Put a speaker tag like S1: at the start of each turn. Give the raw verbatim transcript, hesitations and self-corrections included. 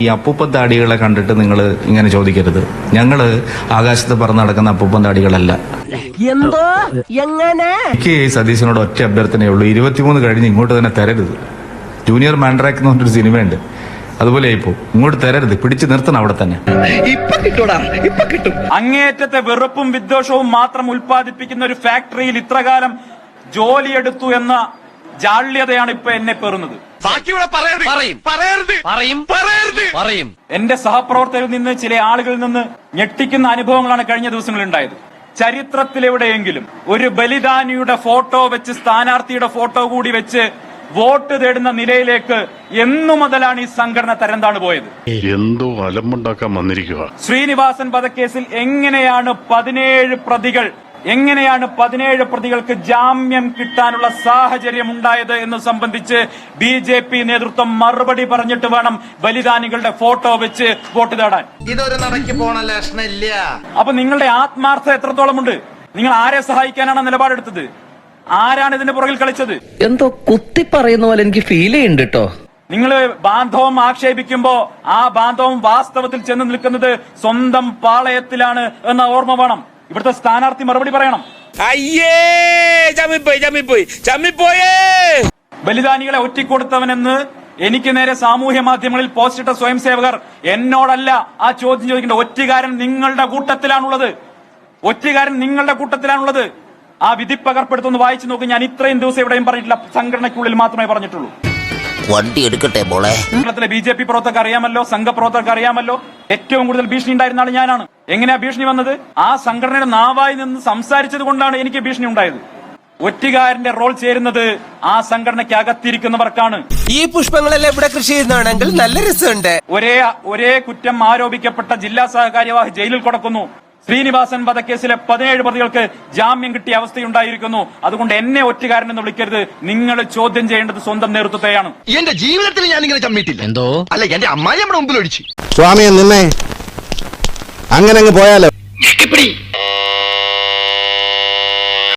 S1: ഈ അപ്പൂപ്പൻ താടികളെ കണ്ടിട്ട് നിങ്ങൾ ഇങ്ങനെ ചോദിക്കരുത്. ഞങ്ങള് ആകാശത്ത് പറന്ന് നടക്കുന്ന അപ്പൂപ്പൻ താടികളല്ല.
S2: എന്തോ എങ്ങനെ
S1: എനിക്ക് സതീശനോട് ഒറ്റ അഭ്യർത്ഥനയുള്ളൂ, ഇരുപത്തിമൂന്ന് കഴിഞ്ഞ് ഇങ്ങോട്ട് തന്നെ തരരുത്. ജൂനിയർ മാൻഡ്രാക്ക് എന്ന് പറഞ്ഞൊരു സിനിമയുണ്ട്, അതുപോലെ ഇപ്പോ ഇങ്ങോട്ട് തരരുത്, പിടിച്ചു നിർത്തണം അവിടെ തന്നെ.
S3: അങ്ങേറ്റത്തെ വെറുപ്പും വിദ്വേഷവും മാത്രം ഉൽപ്പാദിപ്പിക്കുന്ന ഒരു ഫാക്ടറിയിൽ ഇത്രകാലം ജോലിയെടുത്തു എന്ന ജാള്യതയാണ് ഇപ്പൊ എന്നെ പേറുന്നത്. എന്റെ സഹപ്രവർത്തകരിൽ നിന്ന് ചില ആളുകളിൽ നിന്ന് ഞെട്ടിക്കുന്ന അനുഭവങ്ങളാണ് കഴിഞ്ഞ ദിവസങ്ങളിൽ ഉണ്ടായത്. ചരിത്രത്തിലെവിടെയെങ്കിലും ഒരു ബലിദാനിയുടെ ഫോട്ടോ വെച്ച്, സ്ഥാനാർത്ഥിയുടെ ഫോട്ടോ കൂടി വെച്ച് വോട്ട് തേടുന്ന നിലയിലേക്ക് എന്നു മുതലാണ് ഈ സംഘടന തരംതാണു പോയത്?
S4: എന്തോ അലമ്പുണ്ടാക്കാൻ വന്നിരിക്കുക.
S3: ശ്രീനിവാസൻ വധക്കേസിൽ എങ്ങനെയാണ് പതിനേഴ് പ്രതികൾ എങ്ങനെയാണ് പതിനേഴ് പ്രതികൾക്ക് ജാമ്യം കിട്ടാനുള്ള സാഹചര്യം ഉണ്ടായത് എന്ന് സംബന്ധിച്ച് ബി ജെ പി നേതൃത്വം മറുപടി പറഞ്ഞിട്ട് വേണം ബലിദാനികളുടെ ഫോട്ടോ വെച്ച് വോട്ട് തേടാൻ.
S5: ഇതൊരു നടക്കി പോണ ലക്ഷണില്ല.
S3: അപ്പൊ നിങ്ങളുടെ ആത്മാർത്ഥത എത്രത്തോളമുണ്ട്? നിങ്ങൾ ആരെ സഹായിക്കാനാണ് നിലപാടെടുത്തത്? ആരാണ് ഇതിന്റെ പുറകിൽ കളിച്ചത്?
S2: എന്തോ കുത്തി പറയുന്ന പോലെ എനിക്ക് ഫീൽ ചെയ്യുന്നുണ്ട് കേട്ടോ.
S3: നിങ്ങൾ ബാന്ധവം ആക്ഷേപിക്കുമ്പോ ആ ബാന്ധവം വാസ്തവത്തിൽ ചെന്ന് നിൽക്കുന്നത് സ്വന്തം പാളയത്തിലാണ് എന്ന ഓർമ്മ വേണം. ഇവിടുത്തെ സ്ഥാനാർത്ഥി മറുപടി പറയണം. ബലിദാനികളെ ഒറ്റിക്കൊടുത്തവനെന്ന് എനിക്ക് നേരെ സാമൂഹ്യ മാധ്യമങ്ങളിൽ പോസ്റ്റിട്ട സ്വയം സേവകർ എന്നോടല്ല ആ ചോദ്യം ചോദിക്കേണ്ട. ഒറ്റുകാരൻ നിങ്ങളുടെ കൂട്ടത്തിലാണുള്ളത്. ഒറ്റുകാരൻ നിങ്ങളുടെ കൂട്ടത്തിലാണുള്ളത്. ആ വിധിപ്പകർപ്പെടുത്തൊന്ന് വായിച്ചു നോക്കി. ഞാൻ ഇത്രയും ദിവസം എവിടെയും പറഞ്ഞിട്ടില്ല, സംഘടനയ്ക്കുള്ളിൽ മാത്രമേ പറഞ്ഞിട്ടുള്ളൂ.
S6: വണ്ടി എടുക്കട്ടെ മോളെ.
S3: കേരളത്തിലെ ബി ജെ പി പ്രവർത്തകർക്ക് അറിയാമല്ലോ, സംഘപ്രവർത്തകർക്ക് അറിയാമല്ലോ, ഏറ്റവും കൂടുതൽ ഭീഷണി ഉണ്ടായിരുന്ന ആൾ ഞാനാണ്. എങ്ങനെയാ ഭീഷണി വന്നത്? ആ സംഘടനയുടെ നാവായി നിന്ന് സംസാരിച്ചത് കൊണ്ടാണ് എനിക്ക് ഭീഷണി ഉണ്ടായത്. ഒറ്റുകാരന്റെ റോൾ ചേരുന്നത് ആ സംഘടനയ്ക്ക് അകത്തിരിക്കുന്നവർക്കാണ്.
S7: ഈ പുഷ്പങ്ങളെല്ലാം ഇവിടെ കൃഷി ചെയ്യുന്നതാണെങ്കിൽ നല്ല രസമുണ്ട്.
S3: ഒരേ ഒരേ കുറ്റം ആരോപിക്കപ്പെട്ട ജില്ലാ സഹകാര്യവാഹ് ജയിലിൽ കിടക്കുന്നു. ശ്രീനിവാസൻ വധക്കേസിലെ പതിനേഴ് പ്രതികൾക്ക് ജാമ്യം കിട്ടിയ അവസ്ഥയുണ്ടായിരിക്കുന്നു. അതുകൊണ്ട് എന്നെ ഒറ്റുകാരൻ എന്ന് വിളിക്കരുത്. നിങ്ങൾ ചോദ്യം ചെയ്യേണ്ടത് സ്വന്തം നേതൃത്വത്തെയാണ്.
S5: എന്റെ ജീവിതത്തിൽ ഞാൻ ഇങ്ങനെ ചമ്മിട്ടില്ല. എന്തോ അല്ല, എന്റെ അമ്മായി നമ്മുടെ മുമ്പിൽ ഒഴിച്ചു.
S8: സ്വാമിയെ നിന്നെ അങ്ങനെ അങ്ങ് പോയാലോ?